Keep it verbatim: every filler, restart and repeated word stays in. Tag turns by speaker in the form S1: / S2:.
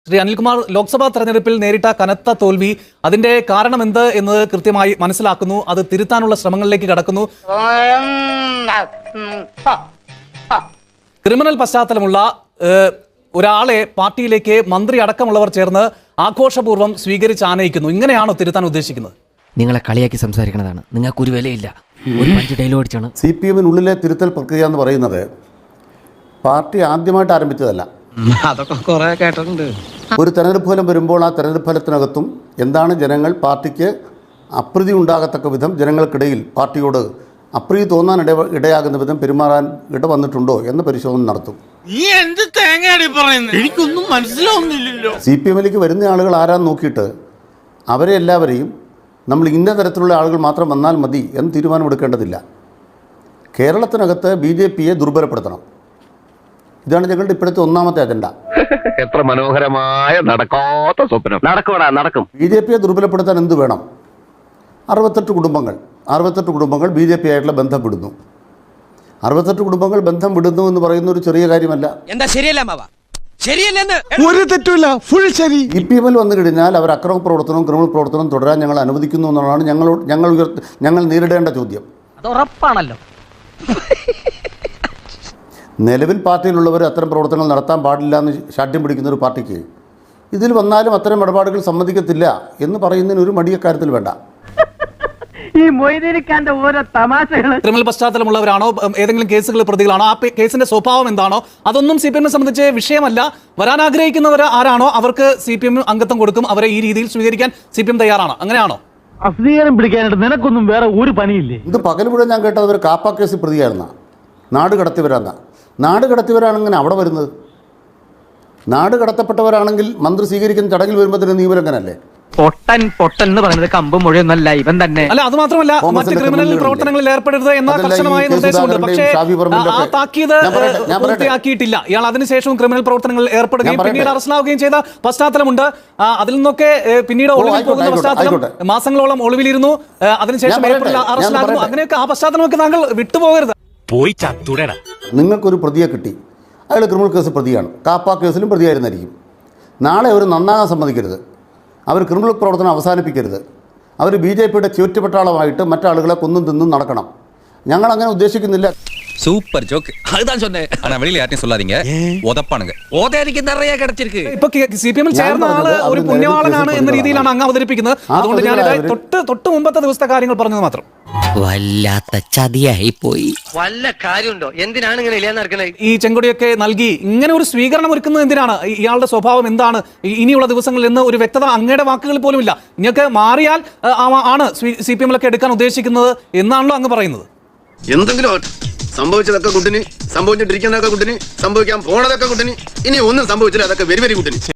S1: ശ്രീ അനിൽകുമാർ, ലോക്സഭാ തെരഞ്ഞെടുപ്പിൽ നേരിട്ട കനത്ത തോൽവി, അതിന്റെ കാരണം എന്ത് എന്നത് കൃത്യമായി മനസ്സിലാക്കുന്നു. അത് തിരുത്താനുള്ള ശ്രമങ്ങളിലേക്ക് കടക്കുന്നു. ക്രിമിനൽ പശ്ചാത്തലമുള്ള ഒരാളെ പാർട്ടിയിലേക്ക് മന്ത്രി അടക്കമുള്ളവർ ചേർന്ന് ആഘോഷപൂർവ്വം സ്വീകരിച്ച് ആനയിക്കുന്നു. ഇങ്ങനെയാണോ തിരുത്താൻ ഉദ്ദേശിക്കുന്നത്?
S2: നിങ്ങളെ കളിയാക്കി സംസാരിക്കുന്നതാണ്. നിങ്ങൾക്ക് ഒരു വിലയില്ല. ഒരു പഞ്ച് ഡയലോഗ് അടിച്ചാണ്.
S3: സി പി എമ്മിനുള്ളിലെ തിരുത്തൽ പ്രക്രിയ എന്ന് പറയുന്നത് പാർട്ടി ആദ്യമായിട്ട് ആരംഭിച്ചതല്ല.
S2: അതൊക്കെ കുറെ കേട്ടിട്ടുണ്ട്.
S3: ഒരു തെരഞ്ഞെടുപ്പ് ഫലം വരുമ്പോൾ ആ തെരഞ്ഞെടുപ്പ് ഫലത്തിനകത്തും എന്താണ് ജനങ്ങൾ പാർട്ടിക്ക് അപ്രീതി ഉണ്ടാകത്തക്ക വിധം ജനങ്ങൾക്കിടയിൽ പാർട്ടിയോട് അപ്രീതി തോന്നാൻ ഇട ഇടയാകുന്ന വിധം പെരുമാറാൻ ഇട വന്നിട്ടുണ്ടോ എന്ന് പരിശോധന നടത്തും.
S4: എനിക്കൊന്നും മനസ്സിലാവുന്നില്ലല്ലോ.
S3: സി പി എമ്മിലേക്ക് വരുന്ന ആളുകൾ ആരാന്ന് നോക്കിയിട്ട് അവരെ എല്ലാവരെയും നമ്മൾ ഇന്ന തരത്തിലുള്ള ആളുകൾ മാത്രം വന്നാൽ മതി എന്ന് തീരുമാനമെടുക്കേണ്ടതില്ല. കേരളത്തിനകത്ത് ബി ജെ പിയെ ദുർബലപ്പെടുത്തണം. ഇതാണ് ഞങ്ങളുടെ ഇപ്പോഴത്തെ ഒന്നാമത്തെ അജണ്ട.
S5: എത്ര മനോഹരമായ നടക്കാത്ത സ്വപ്നം. നടക്കൂടാ, നടക്കും.
S3: ബി ജെ പിയെ ദുർബലപ്പെടുത്താൻ എന്ത് വേണം? അറുപത്തെട്ട് കുടുംബങ്ങൾ അറുപത്തെട്ട് കുടുംബങ്ങൾ ബി ജെ പി ആയിട്ടുള്ള ബന്ധം വിടുന്നു. അറുപത്തെട്ട് കുടുംബങ്ങൾ ബന്ധം വിടുന്നു എന്ന് പറയുന്ന ഒരു ചെറിയ കാര്യമല്ല.
S2: എന്താ ശരിയല്ല മാവ? ശരിയല്ലെന്ന്
S4: ഒരു തെറ്റുമില്ല, ഫുൾ ശരി.
S3: ഇ പി എമ്മിൽ വന്നു കഴിഞ്ഞാൽ അവർ അക്രമ പ്രവർത്തനവും ക്രിമിനൽ പ്രവർത്തനവും തുടരാൻ ഞങ്ങൾ അനുവദിക്കുന്നു എന്നുള്ളതാണ് ഞങ്ങൾ ഞങ്ങൾ ഉയർത്തി ഞങ്ങൾ നേരിടേണ്ട ചോദ്യം.
S2: അത് ഉറപ്പാണല്ലോ.
S3: നിലവിൽ പാർട്ടിയിലുള്ളവർ അത്തരം പ്രവർത്തനങ്ങൾ നടത്താൻ പാടില്ല എന്ന് ശാഠ്യം പിടിക്കുന്ന ഒരു പാർട്ടിക്ക് ഇതിൽ വന്നാലും അത്തരം ഇടപാടുകൾ സമ്മതിക്കത്തില്ല എന്ന് പറയുന്നതിന് ഒരു മടിയക്കാര്യത്തിൽ വേണ്ട.
S6: ഈ മൊയ്തീനിക്കാന്റെ ഓരോ തമാശകൾ.
S1: ക്രിമിനൽ പശ്ചാത്തലമുള്ളവരാണോ, ഏതെങ്കിലും കേസുകൾ പ്രതികളാണോ, ആ കേസിന്റെ സ്വഭാവം എന്താണോ, അതൊന്നും സി പി എമ്മിനെ സംബന്ധിച്ച് വിഷയമല്ല. വരാൻ ആഗ്രഹിക്കുന്നവർ ആരാണോ അവർക്ക് സി പി എം അംഗത്വം കൊടുക്കും. അവരെ ഈ രീതിയിൽ സ്വീകരിക്കാൻ സി പി എം തയ്യാറാണ്. അങ്ങനെയാണോ?
S6: അസ്വീകാരം പിടിക്കാനായിട്ട് നിനക്കൊന്നും വേറെ ഒരു പണിയില്ലേ?
S3: ഇത് പകൽ മുഴുവൻ ഞാൻ കേട്ടത് ഒരു കാപ്പ കേസ് പ്രതിയായിരുന്ന നാട് കടത്തിവരാന്ന. നാട് കടത്തിവരാണെങ്കിൽ അവിടെ വരുന്നത് നാട് കടത്തപ്പെട്ടവരാണെങ്കിൽ മന്ത്രി സ്വീകരിക്കുന്ന ചടങ്ങിൽ വരുമ്പോൾ തന്നെ നിയമലംഘനല്ലേ?
S2: പൊട്ടൻ പൊട്ടൻ എന്ന് പറയുന്നത് കമ്പ് മുഴുവനല്ല, ഇവൻ തന്നെ.
S1: അല്ല, അത് മാത്രമല്ല, മറ്റ് ക്രിമിനൽ പ്രവർത്തനങ്ങളിൽ ഏർപ്പെടരുത് എന്ന കർശനമായ നിർദ്ദേശമുണ്ട്. പക്ഷേ ആ താക്കീത് പൂർത്തിയാക്കിയിട്ടില്ല. ഇയാൾ അതിനുശേഷവും ക്രിമിനൽ പ്രവർത്തനങ്ങളിൽ ഏർപ്പെടുകയും പിന്നീട് അറസ്റ്റിലാവുകയും ചെയ്ത പശ്ചാത്തലമുണ്ട്. അതിൽ നിന്നൊക്കെ പിന്നീട് ഒളിവിൽ പോകുന്ന പശ്ചാത്തലം, മാസങ്ങളോളം ഒളിവിലിരുന്നു, അതിനുശേഷം ഏപ്രിൽ അറസ്റ്റിലാകുന്നു. അങ്ങനെയൊക്കെ ആ പശ്ചാത്തലമൊക്കെ താങ്കൾ വിട്ടുപോകരുത്.
S4: പോയി ചത്തുടേടാ.
S3: നിങ്ങൾക്കൊരു പ്രതിയെ കിട്ടി, അയാൾ ക്രിമിനൽ കേസ് പ്രതിയാണ്, കാപ്പ കേസിലും പ്രതിയായിരുന്നായിരിക്കും. നാളെ അവർ നന്നാകാൻ സമ്മതിക്കരുത്. അവർ ക്രിമിനൽ പ്രവർത്തനം അവസാനിപ്പിക്കരുത്. അവർ ബി ജെ പിയുടെ ചുറ്റുപട്ടാളമായിട്ട് മറ്റാളുകളെ കൊന്നും തിന്നും നടക്കണം. ഞങ്ങൾ അങ്ങനെ ഉദ്ദേശിക്കുന്നില്ല.
S7: Super joke. அதுதான் சொன்னேன். ஆனா வெளியில யார்ட்டையும் சொல்லாதீங்க. உதப்பானுங்க.
S2: ഓതേരിക്ക് നിറയെ കിടച്ചിരിക്ക്.
S1: ഇപ്പൊ സി പി എമ്മിൽ ചേർന്ന ആള് ഒരു പുണ്യവാളനാണ് എന്ന രീതിയിലാണ് അങ്ങ് അവതരിപ്പിക്കുന്നത്. അതുകൊണ്ട് ഞാനിത് തൊട്ട് തൊട്ട് മുമ്പത്തെ ദിവസത്തെ കാര്യങ്ങൾ പറഞ്ഞത് മാത്രം.
S2: വല്ലാത്ത ചതിയായി പോയി.
S8: വല്ല കാര്യമുണ്ടോ? എന്തിനാണ് ഇങ്ങനെ ഇല്ലാന്ന് നടക്കുന്നത്?
S1: ഈ ചെങ്കൊടിയൊക്കെ നൽകി ഇങ്ങനെ ഒരു സ്വീകരണം ഒരുക്കുന്നത് എന്തിനാണ്? ഇയാളുടെ സ്വഭാവം എന്താണ്? ഇനിയുള്ള ദിവസങ്ങളിൽ നിന്ന് ഒരു വ്യക്തത അങ്ങയുടെ വാക്കുകളിൽ പോലും ഇല്ല. ഇങ്ങൊക്കെ മാറിയാൽ ആണ് സി പി എമ്മിലൊക്കെ എടുക്കാൻ ഉദ്ദേശിക്കുന്നത് എന്നാണല്ലോ അങ്ങ് പറയുന്നത്.
S9: എന്തെങ്കിലും സംഭവിച്ചതൊക്കെ കുട്ടിന്, സംഭവിച്ചിട്ടിരിക്കുന്നതൊക്കെ കുട്ടിന്, സംഭവിക്കാൻ പോണതൊക്കെ കുട്ടിന്, ഇനി ഒന്നും സംഭവിച്ചില്ല, അതൊക്കെ വെരി വെരി കുട്ടിന്.